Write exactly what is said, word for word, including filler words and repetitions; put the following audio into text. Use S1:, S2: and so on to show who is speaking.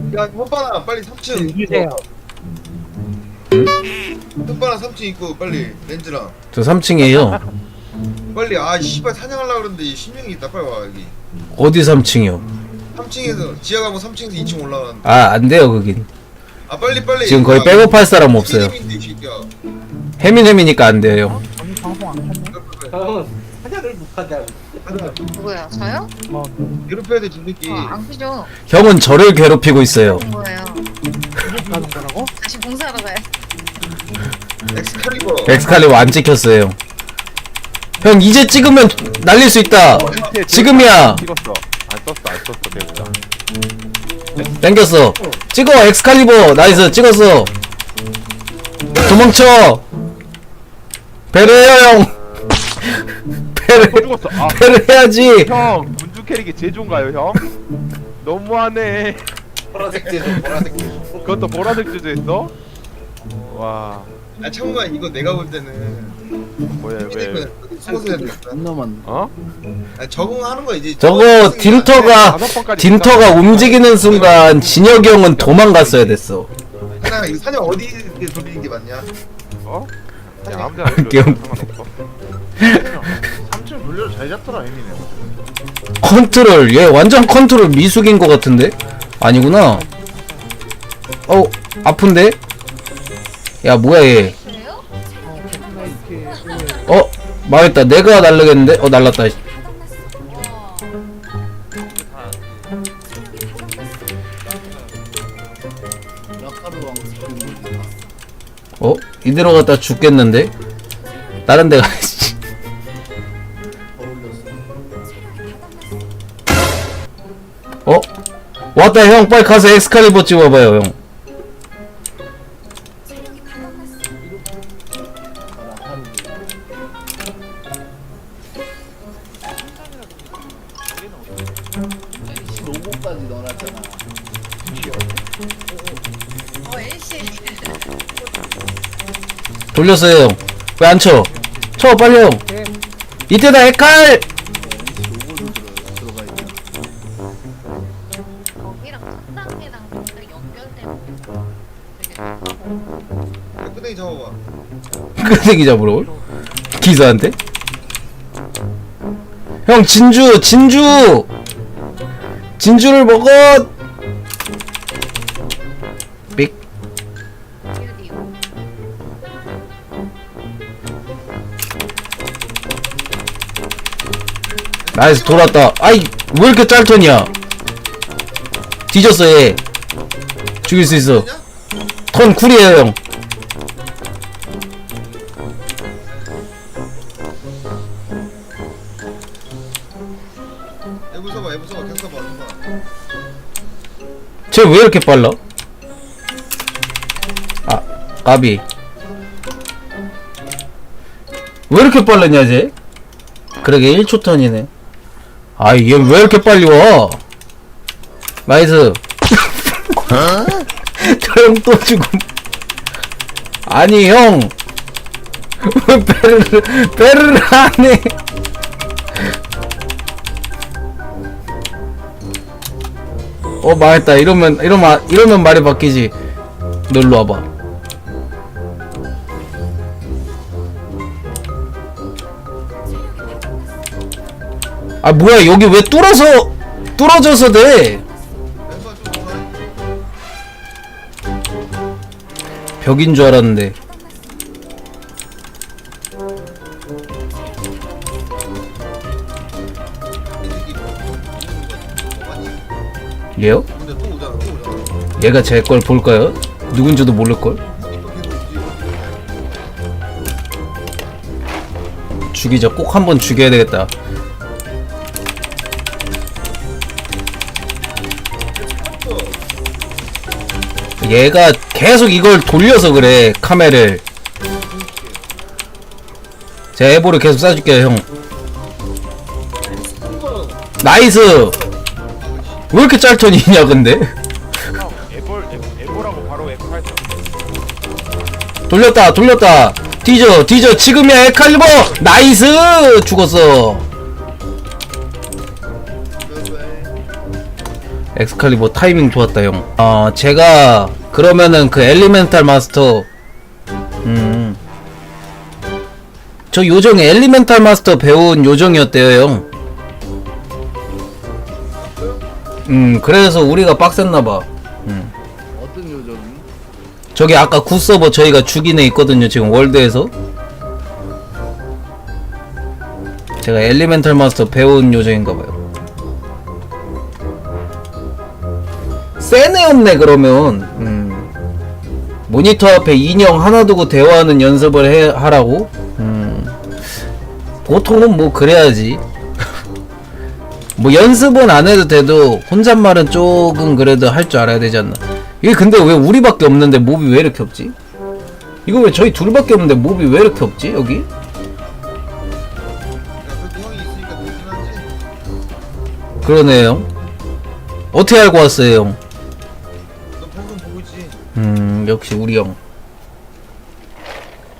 S1: 야 헛바나 빨리 삼 층
S2: 주세요.
S1: 헛바나 삼 층 있고 빨리 렌즈랑
S3: 저 삼 층이에요.
S1: 빨리. 아 씨발 사냥하려고 그러는데 신명이 있다. 빨리 와 여기.
S3: 어디 삼 층이요?
S1: 삼 층에서 지하 가고 삼 층에서 이 층 올라가는.
S3: 아, 안 돼요, 거긴.
S1: 아 빨리 빨리.
S3: 지금 거의 백업할 사람 없어요.
S1: 이 새끼야.
S3: 해민해미니까 안 돼요.
S2: 저는 방송 안 켰네.
S4: 형 사냥을 못하냐.
S1: 하자.
S5: 누구야? 저요?
S2: 어,
S1: 괴롭혀야 돼저 새끼.
S5: 어, 안 크죠?
S3: 형은 저를 괴롭히고 있어요.
S5: 그런 거예요.
S2: 가는 거라고?
S5: 다시 봉사하러 가요.
S1: 엑스칼리버.
S3: 엑스칼리버 안 찍혔어요. 형, 이제 찍으면 날릴 수 있다. 지금이야.
S6: 찍었어. 안 썼어, 안 썼어, 배우자.
S3: 땡겼어. 찍어, 엑스칼리버. 나이스, 찍었어. 도망쳐. 배려해요, 형. 배려,
S6: 또 죽었어. 아,
S3: 배려해야지.
S6: 형, 문주 캐릭이 제일 좋은가요, 형? 너무하네.
S4: 보라색 제조 보라색 제조.
S6: 그것도 보라색 주제했어? 와,
S1: 아 참고만 이거 내가 볼 때는
S6: 뭐야, 왜?
S1: 속옷을 해야 되겠다.
S6: 어?
S1: 아 적응하는 거 이제.
S3: 저거 딘터가
S6: 다섯 번까지
S3: 딘터가 움직이는 순간 진혁이 형은 도망갔어야 됐어.
S1: 하나 이 사냥 어디에 돌리는 게 맞냐?
S6: 어? 그냥 아무 데나
S3: 귀여운-
S6: 상관없어.
S7: 삼 층 돌려도 잘 잡더라 에미네.
S3: 컨트롤, 얘 완전 컨트롤 미숙인 것 같은데? 아니구나. 어, 아픈데? 야, 뭐야 얘.
S5: 그래요?
S3: 어, 망했다. 내가 날르겠는데? 어, 날랐다. 어? 이대로 갔다 죽겠는데? 다른 데 가야지. 어? 왔다 형, 빨리 가서 엑스칼리버 찍어봐요 형.
S7: 로고까지 넣어놨잖아.
S5: 어, 엘씨.
S3: 돌렸어요 형. 왜 안 쳐? 쳐 빨리 형. 이때다 엑칼!
S5: 거기랑 첫 단계랑 뭔가 연결되는 되게
S1: 끄댕이 잡아봐.
S3: 끄댕이 잡으러 기사한테? 형 진주 진주 진주를 먹어. 삑.
S5: 큐디오.
S3: 나이스 돌았다. 아이 왜 이렇게 짤턴이야? 뒤졌어 얘. 죽일 수 있어. 턴 쿨이에요 형.
S1: 에브 써봐 에브 써봐 계속 써봐 써봐.
S3: 쟤 왜 이렇게 빨라? 아 까비. 왜 이렇게 빨랐냐 쟤? 그러게 일 초 턴이네. 아 얘 왜 이렇게 빨리 와? 나이스. 저 형 또 죽음. 아니 형. 왜 베르르 베르르 하네. 어 망했다. 이러면 이러면 이러면 말이 바뀌지. 너 일로 와봐. 아 뭐야 여기 왜 뚫어서 뚫어져서 돼?
S1: 멤버 좀 오라.
S3: 벽인 줄 알았는데. 얘요?
S1: 근데 또 오잖아 또 오잖아.
S3: 얘가 제 걸 볼까요? 누군지도 모를걸?
S1: 또 계속 오지.
S3: 죽이자. 꼭 한번 죽여야 되겠다. 얘가 계속 이걸 돌려서 그래 카메라를. 제가 에보를 계속 쏴줄게요 형. 나이스. 왜 이렇게 짤턴이냐 근데?
S6: 형, 에볼, 에- 에볼하고 바로 에프팔.
S3: 돌렸다 돌렸다. 뒤져 뒤져. 지금이야 엑칼리버. 나이스. 죽었어. 엑스칼리버 타이밍 좋았다 형. 어 제가 그러면은 그 엘리멘탈 마스터 음. 저 요정이 엘리멘탈 마스터 배운 요정이었대요 형. 음 그래서 우리가 빡셌나봐. 음.
S8: 어떤 요정이?
S3: 저기 아까 굿서버 저희가 죽인 애 있거든요 지금 월드에서. 제가 엘리멘탈 마스터 배운 요정인가봐요. 센 애였네 그러면. 음. 모니터 앞에 인형 하나 두고 대화하는 연습을 해, 하라고? 음. 보통은 뭐 그래야지. 뭐 연습은 안 해도 돼도 혼잣말은 조금 그래도 할 줄 알아야 되지 않나. 이게 근데 왜 우리밖에 없는데 몹이 왜 이렇게 없지? 이거 왜 저희 둘밖에 없는데 몹이 왜 이렇게 없지 여기?
S1: 야, 그래도 형이 있으니까 되긴 하지.
S3: 그러네요 형. 어떻게 알고 왔어요 형?
S1: 너 방송 보고 있지.
S3: 음 역시 우리 형.